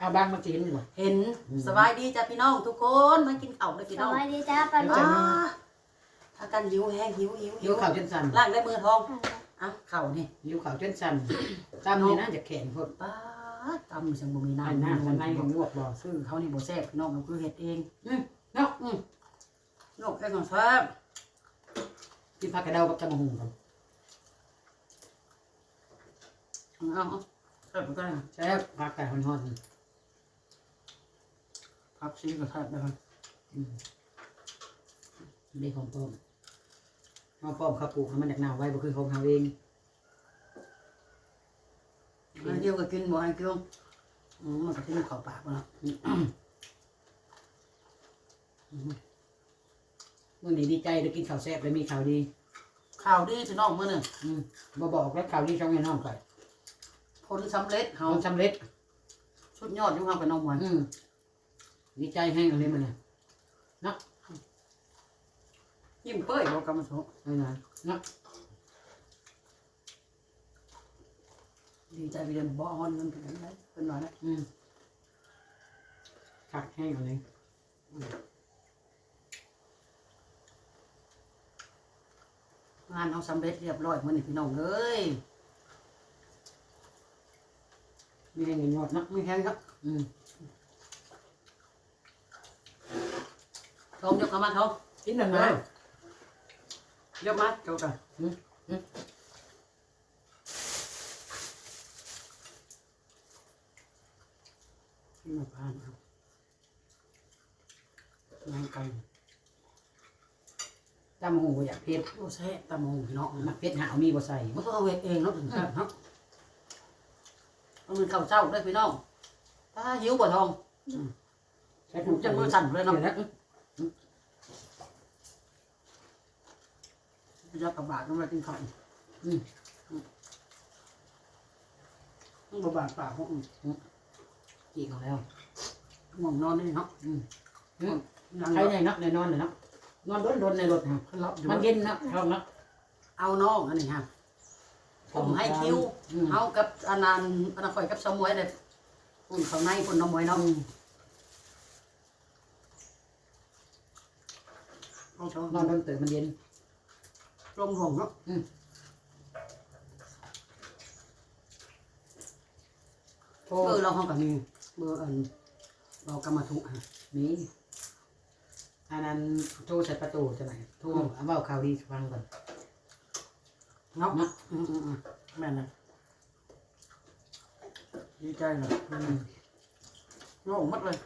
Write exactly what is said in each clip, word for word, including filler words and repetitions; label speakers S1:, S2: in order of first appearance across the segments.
S1: เอาบางมากินดีกว่า
S2: เห็นสบายดีจ้ะพี่น้องทุกคนมากินข้าวเลยพี่
S3: ส
S2: น้อง
S3: วัสดีจ้าปานุ
S2: อ้าถ้ากันหิวแห้งหิวหิว
S1: หิวข่าวจนสั่น
S2: ล่างได้มือทองอ่ะข้าวนี่
S1: หิวข่าวจนสั่นจำนี่นะจะแข็งพด
S2: ป้าดตำจังบ่มี
S1: อัน
S2: น้ำ
S1: หน้าข้างในของลวกบ่
S2: ซื้อเขานี่บ่แซ่บพี่น้องมันคือเฮ็ดเอง
S1: อืมเนาะ
S2: อืมนกแค่ก่อนแซ่บ
S1: กินผักกระเดากับตะมะฮุงกัน
S2: เอาเอาแซ่บไปก็ได้
S1: ใช่ผักไก่ฮอน
S2: ผักชีก็แซ่บได้ครับ
S1: ๆอืมนี่ของป้อมเอาป้อมเขาปลูกให้มันจากหนาวไว้บ่คือของเขาเอง
S2: อันเดียวก็กินบ่ให้กินอืมมันก็สิมีเข้าปากบ่ล่ะ
S1: มื่อนี้ดีใจได้กินข้าวแซ่บได้มีข่าวดี
S2: ข้าวดีพี่น้องมื้อนึง
S1: อืมบ่บอกแล้วข่าวดีช่องแม่น้องไป
S2: ผลสำเร็จเฮา
S1: เอาสำเร็จ
S2: สุดยอดอยู่เฮากับน้องหวาน
S1: อืมดีใจแห้งอะไรมันเนี่ยเนาะ
S2: ยิ้มเป้ยบ่กำมาโซ
S1: ไม่นานเนาะ
S2: ดีใจไปเรียนบ่ฮอนมันเป็นจังไดเพิ่นว่านะ
S1: อืมคักแห้งอะไร
S2: งานเฮาสำเร็จเรียบร้อยมื้อนี้พี่น้องเอ้ย
S1: มีแห้งเงินยอดเนาะ
S2: มีแฮงครับ
S1: อืม
S2: ทองยกเข้ามาทอง
S1: กินหนึ่งนะ
S2: ยกมาเจ้ากัน
S1: อืมอืมกินมาพานครับงานไก่ตำหูอยากเผ็ด
S2: โอ้แซ่บตะมงพี่น้อง
S1: มักเผ็ดหาวมีบ่ใส่
S2: บ่ต้องเอาเฮ็ดเองเนาะถึงแซ่บเนาะเอามันข้าวเจ้าเด้อพี่น้องถ้าหิวบ่ทอง
S1: ใช้
S2: ผมจะมือสั่นเลยเนาะ
S1: ดี๋วนะ
S2: จะกับบาดต้องมากินข้าวอืมต้องบ่บาดปากพวกอืม
S1: จีเขาแล้ว
S2: ง่วงนอนนี่เนาะ
S1: อืมอืม
S2: ยัง
S1: ใช้ในเนาะในนอนเลยเนาะนอนโดนๆในรถฮะ
S2: ขึ้นรับอยู่
S1: มันเย็นเนาะชอบเนาะ
S2: เอาน้องอันนี้ฮะผมให้คิว
S1: อืม
S2: เฮากับอันนั้นอันนั้นข่อยกับสมวยเลยปุ่นข้างในปุ่นน้ำมวยเนาะ
S1: อืม
S2: เอาชม
S1: นอนโดนตื่นมันเย็น
S2: ลมห่วงเนาะ
S1: โทร
S2: เบอร์เราห้องกับมีเบอร์อันเรากำมาทุกฮะ
S1: มีอันนั้นโทรใส่ประตูจะไหนโทรเอาเบาข่าวดีฟังก่อน
S2: เนาะ
S1: เนาะ
S2: อืมอืมอืมแม่นนะดีใจเลย
S1: อืม
S2: โง่หมดเลย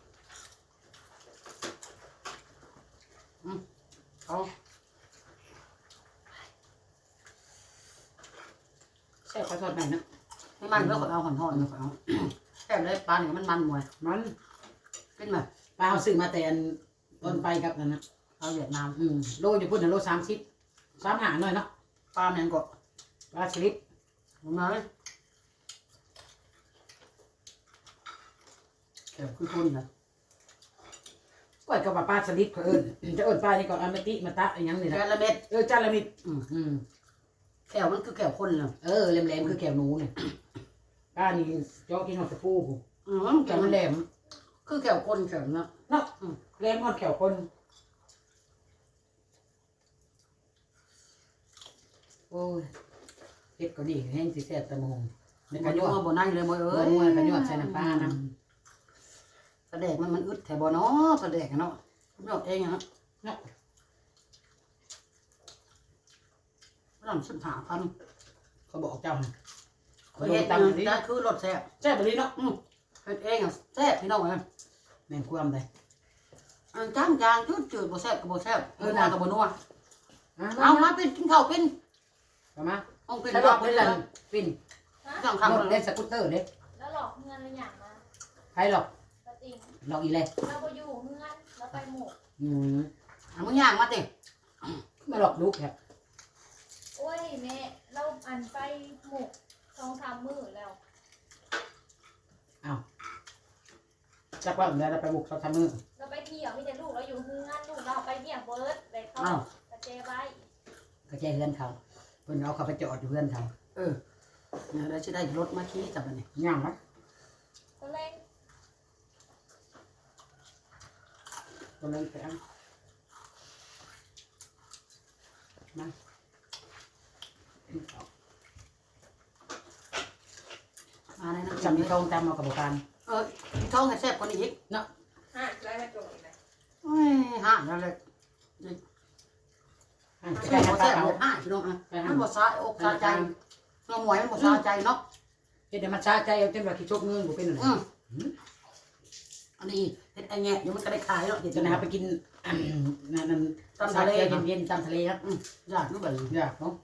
S2: อืมเอา
S1: แซ่บข้าวทอดไหนเนาะ
S2: ให้มันแล้วก็เอาห่อนๆแล้วก็เอาแค่ได้ปลาเนี่ยมันมันมวย
S1: มัน
S2: เป็นไหม
S1: ปลาเอาซื้อมาแต่อันต้นไปครับนั่นนะ
S2: เอาเวียดนาม
S1: อืมโลอยู่พุ่นนะโลสามสิบสามหาหน่อยเนาะ
S2: ปลาเนี่ยก็
S1: ปลาสลิด
S2: ลงมาเลยแค่คือคนนะ
S1: ก้อยกับว่าปลาสลิดเขาเอิญจะเอิญปลานี่ก่อนเอามาติมาตะอะไรยังนี่
S2: แค่
S1: นะ
S2: ละเม็ด
S1: เออจานละมิด
S2: อืม
S1: อืม
S2: แก้วมันคือแก้วคนเลย
S1: เออแหลมๆคือแก้วหนูเนี่ยป้านี่จ้อกินหอดตะปูผม
S2: อืม
S1: แก้
S2: แก้
S1: ว
S2: ว
S1: มั
S2: มัน น
S1: แห
S2: แห
S1: ล
S2: ลม
S1: ม
S2: คือแก้วคนแก้วเนาะ
S1: เนาะแหลมหอดแก้วคน โอ้ยเผ็ดก็ดีแห้งสิแซ่บตะมงใน
S2: บ
S1: กระ
S2: น
S1: ยว
S2: ยั
S1: ด
S2: วบนนั่งเลยมวย
S1: เอ
S2: เอ้
S1: อย มวยกระยวดใส่น้ำปลานะ
S2: กระแดกมันมันอึดแถบเนาะกระแดกเนาะยอดเองเนาะ
S1: เนาะ
S2: ร่ำสุดหาพัน
S1: เขาบอกเจ้าน่ะ
S2: เขาเฮ็ด
S1: ตั
S2: ตั
S1: ง
S2: ง
S1: ค์นี้
S2: จะคือรถแซ่บ
S1: แซ่บไปเลยเนาะ
S2: อืมเฮ็ดเองอ่ะแซ่บพี่น้องเอ้ย
S1: แม่นความเลย
S2: อันจ้างจางจืดจืดบ่แซ่บก็บ่แซ่บเออนากับบ่นัว
S1: เอา
S2: เอามาเป็นกินข้าวเป็น
S1: เอามา
S2: ต้องเป็น
S1: สะดวกเลยล่ะปิ่น
S2: ต้อง
S1: ร
S2: ทำ
S1: ถ
S2: เล
S1: เล่
S2: ย
S1: นสกูตเตอร์เด้
S4: แล้วหลอกเงินอะไรอย่างมา
S1: ใครหรอก
S4: ปะติง
S1: หรอกอีเลย
S4: เราไปอยู่เงินแล้วไปหมก
S1: อืม
S2: เอามึงย่างมาติ
S1: มาหลอกลูกแค่
S4: โอ้ยแม่เราอันไปหมกสองสามมื้อแล้ว
S1: จักว่าเดี๋ยวเราไปบุกเขาทำมือ
S4: เราไปเที่ยวมีแต่ลูกเราอยู่เงินลูกเราไปเที่ยวเบิร์ดเลยเขา
S2: อ้าว
S4: กระเจไว้
S1: ก็แจ้เพื่อนเขาเพิ่นเอาเขาไปจอดอยู่เพื่อนเขา
S2: เออเนี่ยได้สิได้รถมาขี่จับอันนี้
S1: ย่างนะ
S4: ตอนแรก
S1: ตัวนั้นแข็งมา
S2: มาเลยนะ
S1: จำที่ทองตามเอากระบอกการ
S2: เออท้องให้แซ่บกว่านี้อีก
S4: ห้าได้มาจงอีกนะ
S2: โอ้ยห่างแล้วเลย
S1: จะ
S2: แซ่
S1: ได้
S2: บ
S1: น้ำปลา
S2: แซ่บ
S1: เขา
S2: ห่างพี่น้องอ่ะมันบ่ซาอกซาใจน้องหมวยมันบ่ซาใจเนาะ
S1: เฮ็ดให้มันชาใจเอาเต็มว่าขี้ชกเงินบ่เป็นอะไร
S2: อืมอันนี้เฮ็ดไอ้แง่เดี๋ยวมันก็ได้ขายแล้วเดี๋ยว
S1: จะ
S2: จะ
S1: นะ
S2: นะ
S1: ค
S2: ค
S1: รั
S2: รั
S1: บบ ไปกินนั่นนั่น
S2: ตามทะเล
S1: เย็นๆตามทะเลครับ
S2: อยากรู้แบบ
S1: อยากเนาะ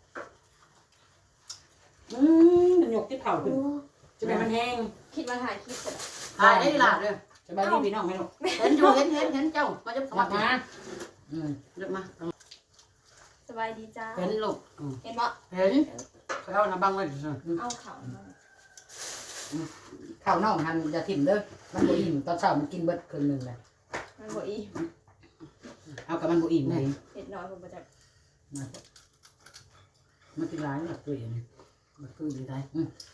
S1: อืมมันยกที่เผาขึ้นจะเป็นมันแห้ง
S4: คิดมาถ่ายคลิปเสร็จ
S2: ขายได้หลาดเลย
S1: สบายดีพี่น้องไหมลูก
S2: เห็นอยู่เห็นเห็นเห็นเจ้ามาจะส
S1: มา
S2: มัคร
S1: มาอืม
S2: เรียกมา
S4: สบายดีจ้า
S2: เห็นลูก
S4: เห็นบ่
S2: เห็นเขาเอาน้ำบังไว้
S4: เอาเขามา
S1: ข้าวน่องหันอย่าถิ่มเด้อมันบ่อิ่มตอนเช้ามันกินเบิดครึ่งหนึงแหละ
S4: มันบ่อี
S1: เอากับมันบ่อิ่มเลย
S4: เห็ดน้อยผมประจักษ์
S1: มันกินหลายแบบตัวเองมันคือดีได้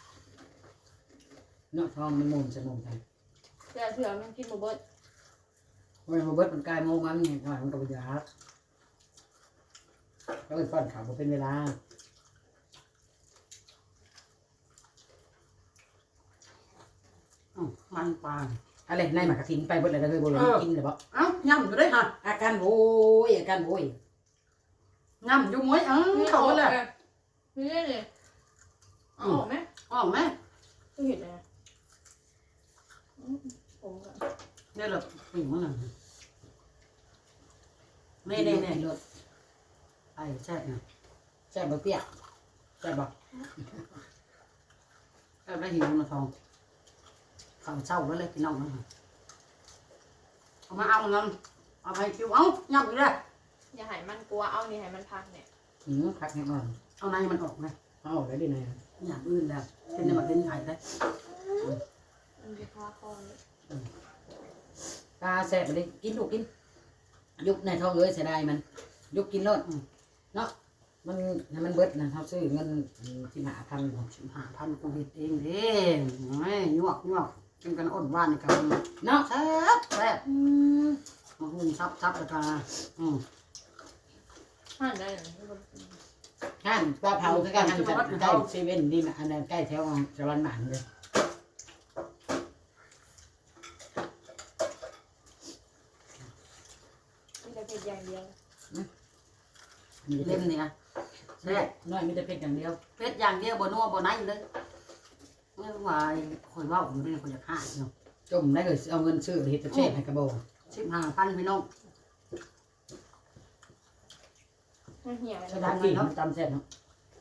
S1: เนาะทองมันมุนจะมุนไป
S4: แต่เถื่อมันกินบ่เบิด
S1: เว้ยมาเบิดมันกลายโมงมันเนี่ยหน่อยมันก็บ่อยากก็เลยป้อนข้าวบ่เป็นเวลา
S2: มันปลา
S1: อะไรในหมากกระถินไปเบิดเลยเลยบ่เลยกินเลยบ่
S2: เอ้าย่ำอยู่ได้ฮะ
S1: อาการโวย อาการโวย
S2: ย่ำอยู่มวยเอ้าเขาเลย
S4: นี่เลยออกไหม
S2: ออกไหม
S4: ก็เห็นเลยผมก็
S2: นี่แหละปิ่งมันน่ะนี่นี่นี่
S1: รถ
S2: ไอ้ใช่เนี่ย
S1: แซ่บบ่เตี้ยแซ่บบ่
S2: แอบได้หิวนะทองข้าวเช้าแล้วเลยพี่น้องนะเอามาเอาเงินเอาไปคิวเอ้าย่ำอยู่ได้
S4: อย่าให้มันกลัวเอานี่ให้มันพักเนี่ย
S1: หืมคักแน่นอน
S2: เอาในมันออกไง
S1: เอาได้ดีนะ
S2: อย่างอื่นแล้วเป็นในมาเป็นไข่ได้
S4: มันจะพาคอเลย
S1: ตาแซ่บบ่ได้กินลูกกิน ยุบในท้องเอ้ยเสียดายมัน ยุบกินรถเนาะ มันให้มันเบิดนะเฮาซื้อเงินสิบห้าพัน
S2: สิบห้าพันกูเห็ดเองเด้ไม่ยวกยวกกินกันอดว่านนี่กัน
S1: เนาะ
S2: แซ่บแซ่บมาหุ่นซับซับแล้วกันอืม
S4: หั่นได้เลย
S1: ห้านปลาเผาคือกันห้านใกล้เซเว่นนี่นะอันนั้นใกล้แถวสวรรค์หมานเลย
S4: มีแต่เผ็ดอย่างเดียว
S1: มีแต่
S2: เล่
S1: เผ็
S2: ม
S1: ด
S2: นี่ไงแซ่บ
S1: น้อยมีแต่เผ็ดอย่างเดียว
S2: เป็ดอย่างเดียวบ่นัวบ่ไหนเลยไม่ว่าคอยว่าอยู่นี่คอยอยากฆ่าเนาะ
S1: จมได้เลยเอาเงินซื้อเฮ็ดแต่เชฟให้กระโบ
S2: สิบห้าพันพี่น้อง
S4: มันเหี่ยวเลย
S1: สถานที่มันตำแซ่บเนาะ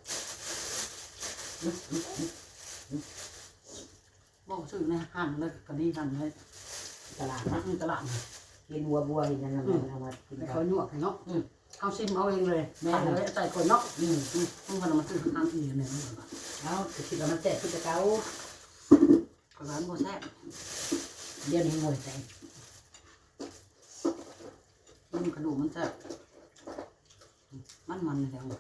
S2: บอกซื้อในห้างเลยก็ดีกันเลย
S1: ตลาด
S2: นั
S1: นะ
S2: กตลาด
S1: กินวัวบัวเห็นยังไงเอามากิน
S2: แต่
S1: กั
S2: เขา
S1: น
S2: หยวกให้เนาะเอาซิมเอาเองเลย
S1: แม่
S2: แม่
S1: น
S2: เลยใส่คนเนาะ
S1: อืม
S2: ต้องพามาซื้อทางอื่นเนี่ย
S1: เอาคิดว่ามันแซ่บคือจะเก่า
S2: ก็ร้านโบแซ่บ
S1: เดี๋ยวนี้งวยใจ
S2: มันกระดูกมันแซ่บมันมันเลยแล้ว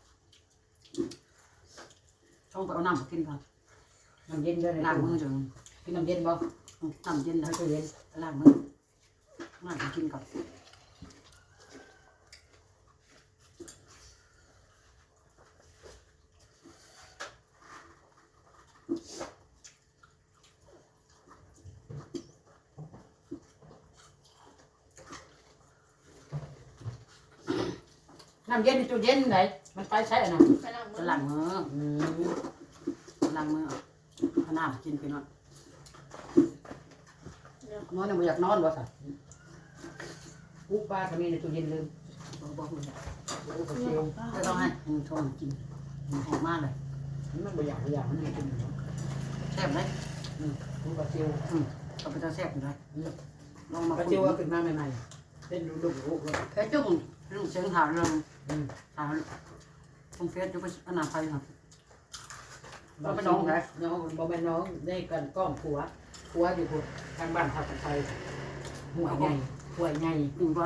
S2: ช่องไปเอาน้ำมากินกัน
S1: น้ำเย็นด้วยเลย
S2: ล้างมือจน
S1: กินน้ำเย็นบ่
S2: น้ำเย็น
S1: ไม่
S2: นะ
S1: เคยเย็น
S2: ล้างมือล้างกินกับ
S1: น้ำเย็นในตู้เย็นไหนมันไปใช่นะ
S4: ไปล้างมื
S2: จะ
S4: อ
S2: ล้างมือ
S1: อืม
S2: ล้างมือเอาน้ำกินไปหน่อยนอนยังไม่อยากนอนวะสั
S1: ปุ๊บปลาก็มีในตู้เย็นลืม
S2: บอกบอกเลย
S1: โอ้โหเชียว
S2: จะต้องให้ชมกินหอมมากเลย
S1: มันบ่อยากบ่อยากมันไม่กิน
S2: แซ่บเลย
S1: ปุ๊บปลาเชียว
S2: ก็เป็นตาแซ่บอยู่เลยลองมา
S1: ปลา
S2: คุย
S1: เชียวเอาขึ้นมาใหม่ๆเป็นลูกๆลูกเลย
S2: แค่จุ่มเรื่องเสียงถามเรื่องถามตรงเฟซจะไปอนาคตครับ
S1: บ่เป็นน้องนะน้องบ่เป็นน้องได้กันก้อมผัวผัวอยู่ทางบ้านทับไทยหัวใหญ่หัวใหญ่
S2: จริงว่า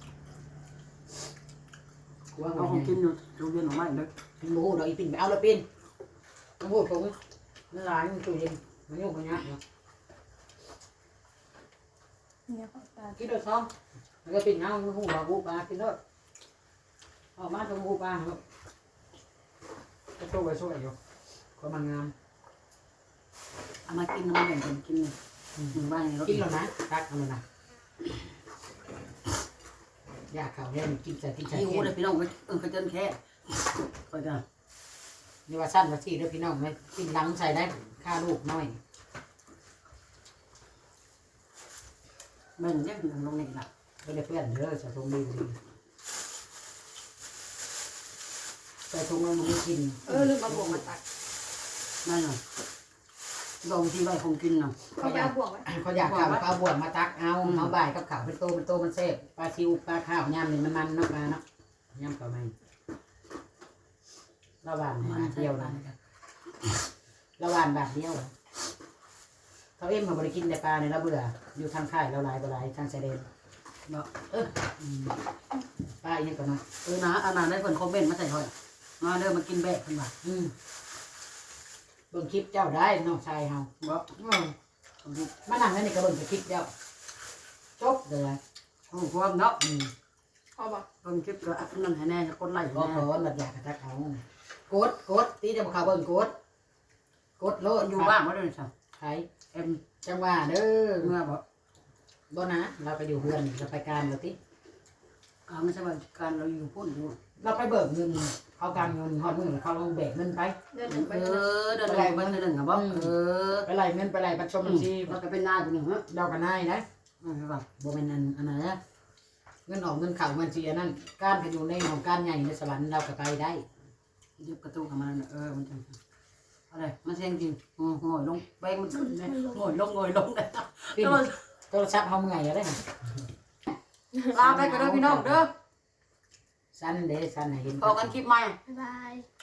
S1: หัว
S2: เรา
S1: หัว
S2: ค
S1: ให
S2: ง
S1: ญ่
S2: กินอยู่โรงเรียนหรือไม่เลย
S1: กินหมูดอกอีปิ่นไปเอาละปิ่นต้องพูดผมนั่นหลานตู้เย็นมันยุ่งกันยากเนาะ
S4: เนี่ยของตา
S1: กินด้วยท้องแล้วก็ปิ่นเงาหูปลาบูปลากินด้วยออกมาตรงบูปลาครับก็ตัวไปช่วยอยู่ก็มันงาม
S2: เอามากินมาแบ่งกันกินหนึ่งบ้านในรถ
S1: กินแล้วนะตักเอาเลยนะอยากข่าวเนี่ยกินแต่กินแต่
S2: หิว
S1: แค่
S2: เลยพี่น้องเออเขาเจนแค่คอยกัน
S1: นี่ว่าสั้นว่าที่ด้วยพี่น้องไหมกินหลังใส่ได้ค่าลูกน้อย
S2: แบ่งเล็กหนึ่งลงนี่ละ
S1: ก็ได้เพื่อนเด้อใส่ถุงดีดีใส่ถุงมันไม่กิน
S2: เออลืมมาบวกมาตักนั่นน่ะลงที่ใบคงกินน่ะ
S4: เขาไปเอาบ่วงไว้
S1: เขาอยากข่าวเขาเอาบวชมาตักเอาเอาบ่ายกับข่าวเป็นโตเป็นโตมันเซฟปลาซิวปลาข้าวยำนี่มันมันเนาะปลาเนาะยำกับมันระหว่าง
S2: มั
S1: บาน ท
S2: ใช่
S1: เดียว
S2: ปลา
S1: นะระหว่างบาทเดียวเขาเอ็มเขาบริกินแต่ปลาเนี่ยเราเบื่ออยู่ทางค่ายเราหลายบ่หลายทางชายแดน
S2: เนาะ
S1: เอออืมปลาอีกอย่างก่อนเนาะ
S2: เออนะอันนั้นได้คนคอมเมนต์มาใส่ถอยมาเด้อมากินแบกขึ้นมา
S1: อืมเบิ่งคลิปเจ้าได้น้องชายเฮา
S2: บ่
S1: อืมมานั่งนั่นนี่ก็เบิ่งแต่คลิปเจ้าจบเลย
S2: โอ้ความเนาะ
S1: อืม
S4: เอาบ่
S2: เพิ่มคลิปก็อันนั้นให้แน่คนไล่
S1: ก็
S2: แน่
S1: ขอหลัดอยากกระทักเอากดกดตีจะบอกเขาเบิ่งกดกดโลด
S2: อยู่บ้านบ่ได้สั่ง
S1: ใคร
S2: เอ็ม
S1: จังหว่าเด้อ
S2: เมื่อบ่
S1: บ่นะเราไปอยู่เพื่อนเราไปการเราติ
S2: อ่าไม่ใช่ว่าการเราอยู่พุ่นอยู่
S1: เราไปเบิกเงินเขาการเงินฮอดมือเขาลงแบกเงินไป
S4: เดินหนึ่งไป
S2: เอ
S4: เดิน
S2: อเดินไปเดินหนึ่งครับบ่เออ
S1: ไปไล่เงินไปไล่บัตรชมบัญชี
S2: มันก็เป็นหน้าอยู่หนึ่งฮะ
S1: เดากันได้นะ
S2: ไม่ใช่ป่ะ
S1: บ่แม่นอันอันนั้นนะเงินออกเงินเข้าบัญชีอันนั้นการไปอยู่ในของการใหญ่ในสวรรค์เราก็ไปได้
S2: เย็บกระตุ้งกับมันเออมันจะอะไรมันเสียงจริงงอยลงแบงมันขึ้นเลยงอยลงงอยลงเลย
S1: ปิ้นโทรศัพท์เฮาเมื่อยอะได้น่ะ
S2: ลาไปกันเด้อพี่น้องเด้อ
S1: สั้นเด้สั้นให้เห็น
S2: พอกันคลิปใหม่
S4: บ๊ายบาย